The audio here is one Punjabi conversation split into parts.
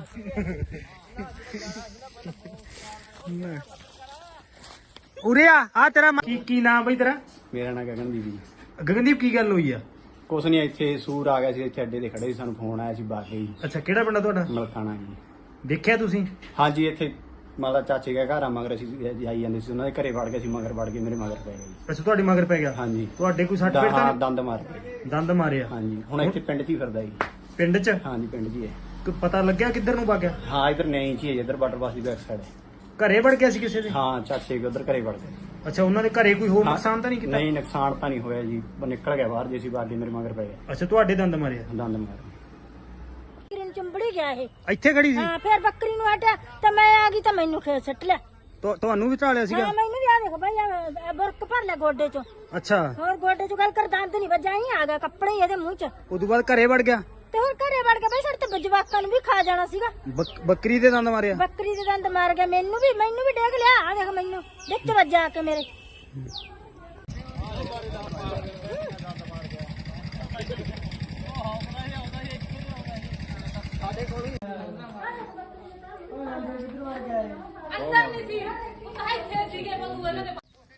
ਉਰੇ ਆ ਤੇਰਾ ਕੀ ਨਾਮ ਬਈ ਤੇਰਾ? ਮੇਰਾ ਨਾਂ ਗਗਨਦੀਪ ਜੀ। ਗਗਨਦੀਪ ਕੀ ਗੱਲ ਹੋਈ ਆ? ਕੁਛ ਨਹੀਂ, ਇੱਥੇ ਸੂਰ ਆ ਗਿਆ ਸੀ, ਇੱਥੇ ਅੱਡੇ ਤੇ ਖੜੇ ਸੀ, ਸਾਨੂੰ ਫੋਨ ਆਇਆ ਸੀ ਬਾਗੇ ਜੀ। ਅੱਛਾ, ਕਿਹੜਾ ਪਿੰਡ ਆ ਤੁਹਾਡਾ? ਮਲਕਾਣਾ ਜੀ। ਦੇਖਿਆ ਤੁਸੀਂ? ਹਾਂਜੀ, ਇੱਥੇ ਮਾਲਾ ਚਾਚੇ ਦਾ ਘਰ ਆ, ਮਗਰ ਅਸੀਂ ਜਾਈ ਜਾਂਦੇ ਸੀ, ਉਹਨਾਂ ਦੇ ਘਰੇ ਵੜ ਗਏ ਸੀ, ਮਗਰ ਵੜ ਕੇ ਮੇਰੇ ਮਗਰ ਪੈ ਗਏ ਜੀ। ਅੱਛਾ, ਤੁਹਾਡੇ ਮਗਰ ਪੈ ਗਿਆ? ਹਾਂਜੀ। ਤੁਹਾਡੇ ਕੋਈ ਸੱਟ ਫੇਟ ਤਾਂ ਹਾਂ, ਨਹੀਂ? ਦੰਦ ਮਾਰ ਗਏ। ਦੰਦ ਮਾਰਿਆ? ਹਾਂਜੀ, ਹੁਣ ਇੱਥੇ ਪਿੰਡ 'ਚ ਹੀ ਫਿਰਦਾ ਜੀ। ਪਿੰਡ 'ਚ? ਹਾਂਜੀ, ਪਿੰਡ 'ਚ ਹੀ ਹੈ। ਕੋਈ ਪਤਾ ਲੱਗਿਆ ਕਿੱਧਰ ਨੂੰ ਵਗਿਆ? ਹਾਂ, ਇੱਧਰ ਨਹੀਂ 'ਚ ਹੀ ਹੈ, ਇੱਧਰ ਵਾਟਰ ਬਾਸ ਦੀ ਬੈਕ ਸਾਈਡ ਹੈ। ਘਰੇ ਵੜ ਗਿਆ ਸੀ ਕਿਸੇ ਦੇ? ਹਾਂ, ਚਾਚੇ ਦੇ ਉਧਰ ਘਰੇ ਵੜ ਗਏ। ਅੱਛਾ, ਉਹਨਾਂ ਦੇ ਘਰੇ ਕੋਈ ਹੋਰ ਨੁਕਸਾਨ ਤਾਂ ਨਹੀਂ ਕੀਤਾ? ਨਹੀਂ, ਨੁਕਸਾਨ ਤਾਂ ਨਹੀਂ ਹੋਇਆ ਜੀ, ਉਹ ਨਿਕਲ ਗਿਆ ਬਾਹਰ ਜੇ ਸੀ, ਬਾਗੇ ਮੇਰੇ ਮਗਰ ਪੈ ਗਿਆ। ਅੱਛਾ, ਤੁਹਾਡੇ ਦੰਦ ਮਾਰਿਆ? ਦੰਦ ਮਾਰ ਬੱਕਰੀ ਨੂੰ ਚੰਬੜੀ ਗਿਆ ਇਹ। ਇੱਥੇ ਖੜੀ ਸੀ? ਹਾਂ, ਫਿਰ ਬੱਕਰੀ ਨੂੰ ਹਟਿਆ ਤਾਂ ਮੈਂ ਆ ਗਈ ਤਾਂ ਮੈਨੂੰ ਖੇਤ ਸੱਟ ਲਿਆ। ਤੁਹਾਨੂੰ ਵੀ ਢਾਲਿਆ ਸੀਗਾ? ਹਾਂ, ਮੈਨੂੰ ਵੀ ਆ ਦੇਖ ਬਈ ਆ ਬੁਰਕ ਭਰ ਲਿਆ ਗੋਡੇ ਚੋਂ। ਅੱਛਾ, ਹੋਰ ਗੋਡੇ ਚੋਂ ਗੱਲ ਕਰ, ਦੰਦ ਨਹੀਂ ਵੱਜਾ, ਹੀ ਆ ਗਿਆ ਕੱਪੜੇ ਹੀ ਇਹਦੇ ਮੂੰਹ 'ਚ। ਉਦੋਂ ਬਾਅਦ ਘਰੇ ਵੜ ਗਿਆ? ਤੇ ਹੋਰ ਘਰੇ ਵੜ ਕੇ ਬਈ ਸਾਡੇ ਤੇ ਜਵਾਕਾਂ ਨੂੰ ਵੀ ਖਾ ਜਾਣਾ ਸੀਗਾ। ਬੱਕਰੀ ਦੇ ਦੰਦ ਮਾਰਿਆ? ਬੱਕਰੀ ਦੇ ਦੰਦ ਮਾਰ ਗਿਆ, ਮੈਨੂੰ ਵੀ ਡੇਗ ਲਿਆ। ਆ ਦੇਖ ਮੈਨੂੰ ਵਿੱਚ ਵੱਜਾ ਆ ਕੇ ਮੇਰੇ। ਅੰਦਰ ਨਹੀਂ ਸੀ, ਉਹ ਤਾਂ ਇੱਥੇ ਸੀਗੇ ਬਲੂ ਇਹਨਾਂ ਦੇ।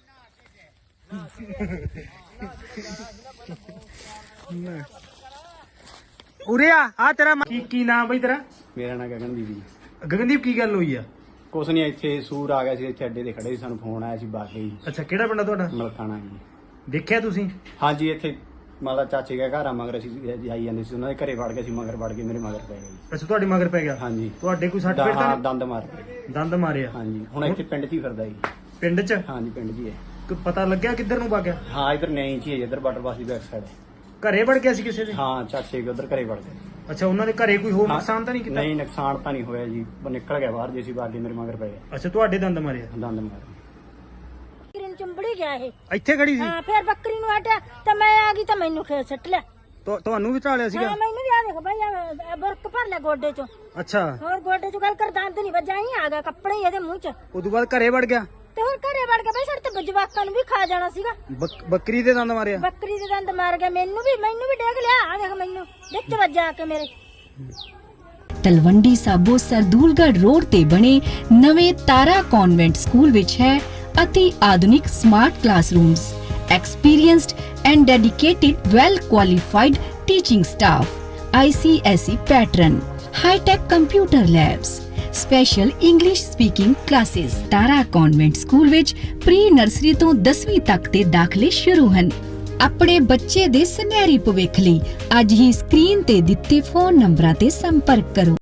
ਉਰੇ ਆ ਤੇਰਾ ਕੀ ਨਾਮ ਬਈ ਤੇਰਾ? ਮੇਰਾ ਨਾਂ ਗਗਨਦੀਪ ਜੀ। ਗਗਨਦੀਪ ਕੀ ਗੱਲ ਹੋਈ ਆ? ਕੁਛ ਨਹੀਂ, ਇੱਥੇ ਸੂਰ ਆ ਗਿਆ ਸੀ, ਇੱਥੇ ਅੱਡੇ ਤੇ ਖੜੇ ਸੀ, ਸਾਨੂੰ ਫੋਨ ਆਇਆ ਸੀ ਬਾਗੇ ਜੀ। ਅੱਛਾ, ਕਿਹੜਾ ਪਿੰਡ ਆ ਤੁਹਾਡਾ? ਮਲਕਾਣਾ ਜੀ। ਦੇਖਿਆ ਤੁਸੀਂ? ਹਾਂਜੀ, ਇੱਥੇ ਮਾਲਾ ਚਾਚੇ ਦਾ ਘਰ ਆ, ਮਗਰ ਅਸੀਂ ਜਾਈ ਜਾਂਦੇ ਸੀ, ਉਹਨਾਂ ਦੇ ਘਰੇ ਵੜ ਗਏ ਸੀ, ਮਗਰ ਵੜ ਕੇ ਮੇਰੇ ਮਗਰ ਪੈ ਗਏ ਜੀ। ਅੱਛਾ, ਤੁਹਾਡੇ ਮਗਰ ਪੈ ਗਿਆ? ਹਾਂਜੀ। ਤੁਹਾਡੇ ਕੋਈ ਸੱਟ ਫੇਟ ਤਾਂ ਹਾਂ, ਨਹੀਂ? ਦੰਦ ਮਾਰ ਗਏ। ਦੰਦ ਮਾਰਿਆ? ਹਾਂਜੀ, ਹੁਣ ਇੱਥੇ ਪਿੰਡ 'ਚ ਹੀ ਫਿਰਦਾ ਜੀ। ਪਿੰਡ 'ਚ? ਹਾਂਜੀ, ਪਿੰਡ 'ਚ ਹੀ ਹੈ। ਕੋਈ ਪਤਾ ਲੱਗਿਆ ਕਿੱਧਰ ਨੂੰ ਵਗਿਆ? ਹਾਂ, ਇੱਧਰ ਨਹੀਂ 'ਚ ਹੀ ਹੈ, ਇੱਧਰ ਵਾਟਰ ਬਾਸ ਦੀ ਬੈਕ ਸਾਈਡ ਹੈ। ਘਰੇ ਵੜ ਗਿਆ ਸੀ ਕਿਸੇ ਦੇ? ਹਾਂ, ਚਾਚੇ ਦੇ ਉਧਰ ਘਰੇ ਵੜ ਗਏ। ਅੱਛਾ, ਉਹਨਾਂ ਦੇ ਘਰੇ ਕੋਈ ਹੋਰ ਨੁਕਸਾਨ ਤਾਂ ਨਹੀਂ ਕੀਤਾ? ਨਹੀਂ, ਨੁਕਸਾਨ ਤਾਂ ਨਹੀਂ ਹੋਇਆ ਜੀ, ਉਹ ਨਿਕਲ ਗਿਆ ਬਾਹਰ ਜੇ ਸੀ, ਬਾਗੇ ਮੇਰੇ ਮਗਰ ਪੈ ਗਿਆ। ਅੱਛਾ, ਤੁਹਾਡੇ ਦੰਦ ਮਾਰਿਆ? ਦੰਦ ਮਾਰ ਬੱਕਰੀ ਨੂੰ ਚੰਬੜੀ ਗਿਆ ਇਹ। ਇੱਥੇ ਖੜੀ ਸੀ? ਹਾਂ, ਫਿਰ ਬੱਕਰੀ ਨੂੰ ਹਟਿਆ ਤਾਂ ਮੈਂ ਆ ਗਈ ਤਾਂ ਮੈਨੂੰ ਖੇਤ ਸੱਟ ਲਿਆ। ਤੁਹਾਨੂੰ ਵੀ ਢਾਲਿਆ ਸੀਗਾ? ਹਾਂ, ਮੈਨੂੰ ਵੀ ਆ ਦੇਖ ਬਈ ਆ ਬੁਰਕ ਭਰ ਲਿਆ ਗੋਡੇ ਚੋਂ। ਅੱਛਾ, ਹੋਰ ਗੋਡੇ ਚੋਂ ਗੱਲ ਕਰ, ਦੰਦ ਨਹੀਂ ਵੱਜਾ, ਹੀ ਆ ਗਿਆ ਕੱਪੜੇ ਹੀ ਇਹਦੇ ਮੂੰਹ 'ਚ। ਉਦੋਂ ਬਾਅਦ ਘਰੇ ਵੜ ਗਿਆ? ਤੇ ਹੋਰ ਘਰੇ ਵੜ ਕੇ ਬਈ ਸਾਡੇ ਤੇ ਜਵਾਕਾਂ ਨੂੰ ਵੀ ਖਾ ਜਾਣਾ ਸੀਗਾ। ਬੱਕਰੀ ਦੇ ਦੰਦ ਮਾਰਿਆ? ਬੱਕਰੀ ਦੇ ਦੰਦ ਮਾਰ ਗਿਆ, ਮੈਨੂੰ ਵੀ ਡੇਗ ਲਿਆ। ਆ ਦੇਖ ਮੈਨੂੰ ਵਿੱਚ ਵੱਜਾ ਆ ਕੇ ਮੇਰੇ। ਤਲਵੰਡੀ ਸਾਬੋ ਸਰਦੂਲਗੜ੍ਹ ਰੋਡ ਤੇ ਬਣੇ ਨਵੇਂ ਤਾਰਾ ਕਨਵੈਂਟ ਸਕੂਲ ਵਿੱਚ ਹੈ ਅਤੀ ਆਧੁਨਿਕ smart classrooms, experienced and dedicated well qualified teaching staff, ICSE pattern, high tech computer labs, special English speaking classes। Tara convent school ਵਿੱਚ ਪ੍ਰੀ ਨਰਸਰੀ ਤੋਂ 10ਵੀਂ ਤੱਕ ਦੇ ਦਾਖਲੇ ਸ਼ੁਰੂ ਹਨ। ਆਪਣੇ ਬੱਚੇ ਦੇ ਸੁਨਹਿਰੀ ਭਵਿੱਖ ਲਈ ਅੱਜ ਹੀ ਸਕਰੀਨ ਤੇ ਦਿੱਤੇ ਫੋਨ ਨੰਬਰਾਂ ਤੇ ਸੰਪਰਕ ਕਰੋ।